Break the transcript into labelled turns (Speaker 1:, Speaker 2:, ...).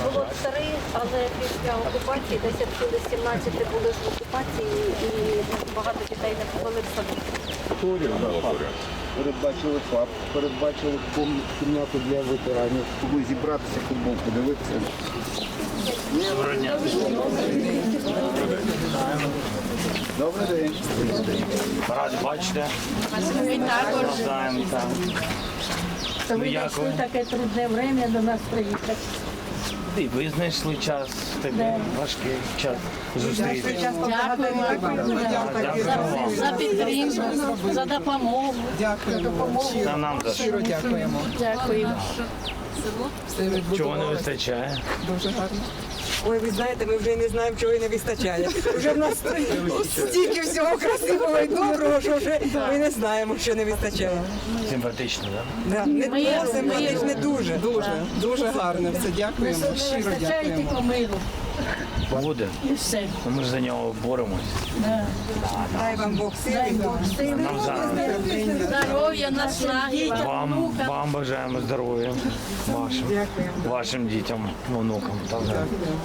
Speaker 1: Було 3, але після окупації, десь як були 17 були ж в окупації, і багато дітей не побили в садок.
Speaker 2: Передбачили ФАП, передбачили кімнату для ветеранів. Щоб зібратися, футбол подивитися. Добрий день.
Speaker 3: Раді бачите. Навзаєм, так.
Speaker 1: Тому
Speaker 3: як ви?
Speaker 1: таке трудне время до нас приїхати.
Speaker 3: І ви знайшли час, такий важкий час зустріти.
Speaker 1: Дякуємо за підтримку, за допомогу.
Speaker 4: Дякуємо.
Speaker 3: Та нам за що.
Speaker 4: Щиро дякуємо.
Speaker 1: Дякуємо.
Speaker 4: Все відбудовано.
Speaker 3: Чого не вистачає?
Speaker 4: Дуже гарно. Ой, ви знаєте, ми вже не знаємо, чого і не вистачає. Вже в нас стільки всього красивого і доброго, що вже ми не знаємо, що не вистачає.
Speaker 3: Симпатично, так?
Speaker 4: Да. Не просимо, але ж не дуже. Дуже гарно. Все дякуємо. Щиро
Speaker 1: Вистачає
Speaker 4: дякуємо.
Speaker 1: тільки миру.
Speaker 3: Буде.
Speaker 1: І все.
Speaker 3: Ми ж за нього боремось.
Speaker 4: Дай вам Бог сили.
Speaker 3: Нам за
Speaker 1: Здоров'я, наснаги.
Speaker 3: вам бажаємо здоров'я вашим дітям, онукам. Так,